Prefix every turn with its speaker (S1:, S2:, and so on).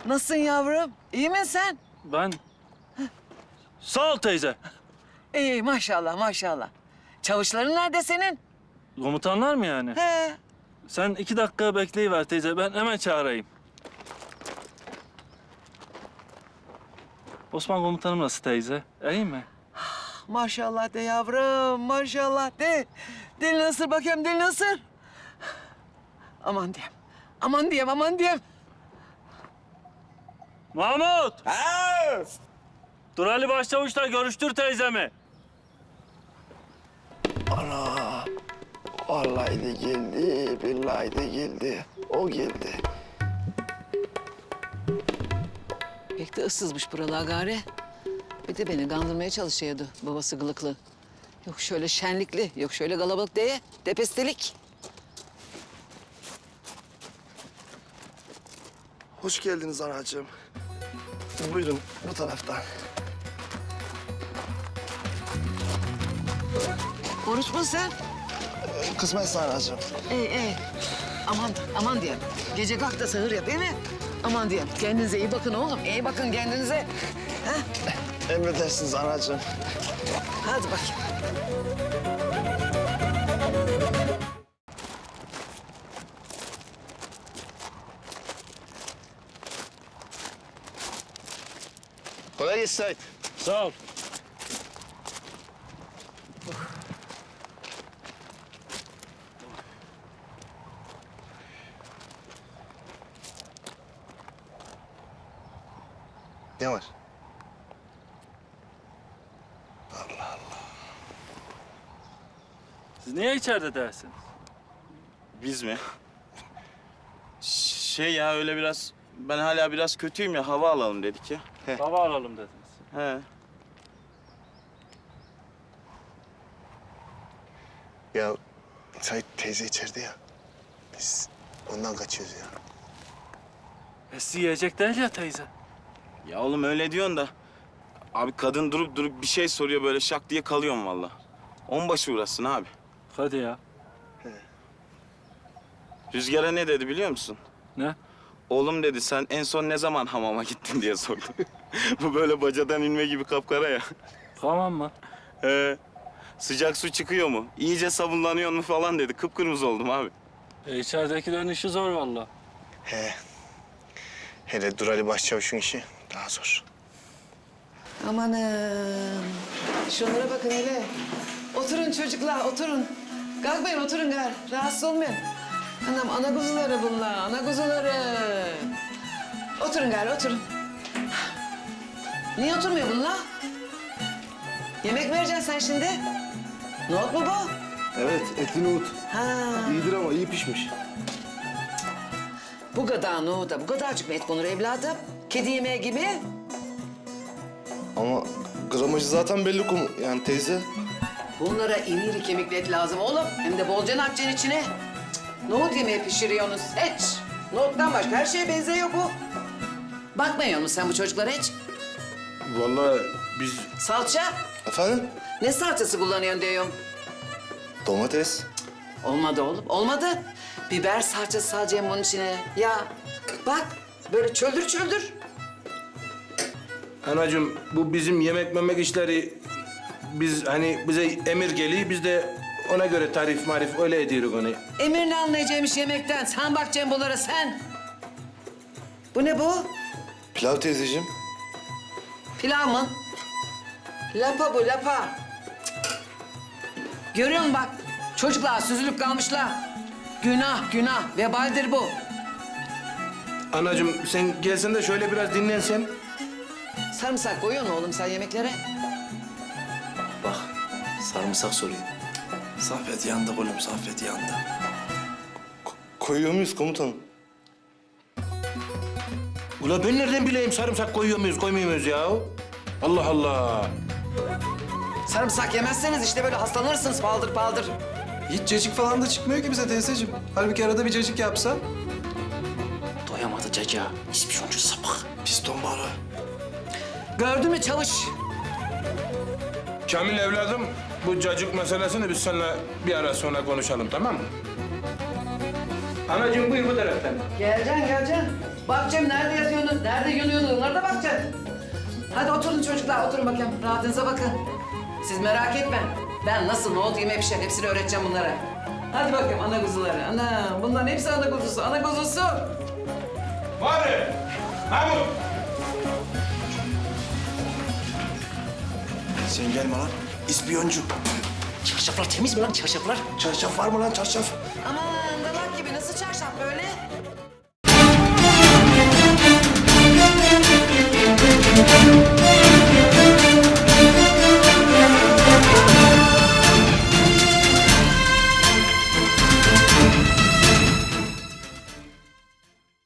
S1: Nasılsın yavrum? İyi misin sen?
S2: Ben... Sağ ol teyze.
S1: İyi maşallah maşallah. Çavuşların nerede senin?
S2: Komutanlar mı yani?
S1: He.
S2: Sen 2 dakika bekleyiver teyze. Ben hemen çağırayım. Osman komutanım nasıl teyze? İyi mi?
S1: Maşallah de yavrum, maşallah de. Dil nasıl bakayım, dil nasıl? Aman diyeyim, aman diyeyim, aman diyeyim.
S2: Mahmut!
S3: Ha!
S2: Dur Ali Başçavuş'la görüştür teyzemi.
S3: Ana! Vallahi de geldi, billahi de geldi. O geldi.
S1: Pek de ıssızmış buralar gari. Bir de beni kandırmaya çalışıyordu babası gılıklı. Yok şöyle şenlikli, yok şöyle kalabalık diye. Depestelik.
S3: Hoş geldiniz anacığım. Buyurun bu taraftan.
S1: Oruç mu sen?
S3: Kısmetse anacığım.
S1: İyi. Aman, aman diyeyim. Gece kalk da sahur yap, değil mi? Aman diyeyim. Kendinize iyi bakın oğlum. İyi bakın kendinize.
S3: Emredersiniz anacığım.
S1: Hadi bakayım.
S3: Kolay gelsin Sait.
S2: Sağ ol.
S3: Ne var?
S2: Siz niye içeride dersiniz?
S4: Biz mi? Şey ya öyle biraz... Ben hala biraz kötüyüm ya, hava alalım dedik ya.
S2: Hava alalım dediniz.
S4: He.
S3: Ya Sait teyze içeride ya. Biz ondan kaçıyoruz ya.
S2: Sizi yiyecek değil ya teyze.
S4: Ya oğlum öyle diyorsun da... Abi kadın durup durup bir şey soruyor, böyle şak diye kalıyorum vallahi. Onbaşı uğraşsın abi.
S2: Hadi ya.
S4: Rüzgar'a ne dedi biliyor musun?
S2: Ne?
S4: Oğlum dedi, sen en son ne zaman hamama gittin diye sordu. Bu böyle bacadan inme gibi kapkara ya.
S2: Tamam mı?
S4: Sıcak su çıkıyor mu? İyice sabunlanıyor mu falan dedi. Kıpkırmızı oldum abi.
S2: İçeridekilerin işi zor vallahi.
S3: He. Hele Durali Başçavuş'un işi daha zor.
S1: Amanım. Şunlara bakın hele. Oturun çocuklar, oturun. Kalkmayın, oturun gari. Rahatsız olmayın. Anam, ana kuzuları bunlar, ana kuzuları. Oturun gari, oturun. Niye oturmuyor bunlar? Yemek mi vereceksin sen şimdi? Nohut mu bu?
S5: Evet, etli nohut.
S1: Ha,
S5: İyidir ama iyi pişmiş.
S1: bu kadar nohuda, bu kadarcık mı et konur evladım? Kedi yemeği gibi.
S5: Ama gramajı zaten belli yani teyze.
S1: Bunlara iri iri kemikli et lazım oğlum. Hem de bolca atacaksın içine. Cık, nohut yemeği pişiriyorsunuz hiç. Nohuttan başka her şeye benziyor bu. Bakmıyor musun sen bu çocuklara hiç?
S5: Vallahi biz...
S1: Salça?
S5: Efendim?
S1: Ne salçası kullanıyorsun diyorum.
S5: Domates.
S1: Olmadı oğlum, olmadı. Biber salçası salacağım bunun içine. Ya bak, böyle çöldür çöldür.
S6: Anacığım bu bizim yemek memek işleri biz hani bize emir geliyor biz de ona göre tarif marif öyle ediyoruz onu.
S1: Emir'le anlayacağımış yemekten. Sen bak Cembolara sen. Bu ne bu?
S5: Pilav teyzeciğim.
S1: Pilav mı? Lapa bu, lapa. Cık. Görüyor musun bak? Çocuklar süzülüp kalmışlar. Günah, günah. Vebaldir bu.
S6: Anacığım sen gelsen de şöyle biraz dinlensen.
S1: Sarımsak koyuyor mu oğlum sen yemeklere?
S5: Bak, sarımsak soruyor.
S3: Saffet yandı oğlum, Saffet yandı.
S5: Koyuyor muyuz komutanım?
S6: Ula ben nereden bileyim sarımsak koyuyor muyuz koymuyor muyuz ya? Allah Allah.
S1: Sarımsak yemezseniz işte böyle hastalanırsınız paldır paldır.
S7: Hiç cacık falan da çıkmıyor ki bize teyzeciğim. Halbuki arada bir cacık yapsa.
S8: Doyamadı caca. İspiyoncu sapık.
S3: Piston balığı.
S1: Gördün mü çavuş?
S6: Kamil evladım bu cacık meselesini biz seninle bir ara sonra konuşalım tamam mı? Anacığım buyur bu taraftan.
S1: Geleceksin, geleceksin. Bakacağım nerede yatıyorsunuz, nerede yanıyorsunuz, onlara da bakacağım. Hadi oturun çocuklar, oturun bakayım. Rahatınıza bakın. Siz merak etme. Ben nasıl, ne oldu, yeme pişer, hepsini öğreteceğim bunlara. Hadi bakayım ana kuzuları. Ana, bunların hepsi ana kuzusu, ana kuzusu.
S6: Var Mahmut.
S3: Sen gelme lan. İspiyoncu.
S8: Çarşaflar temiz mi lan çarşaflar?
S3: Çarşaf var mı lan çarşaf?
S1: Aman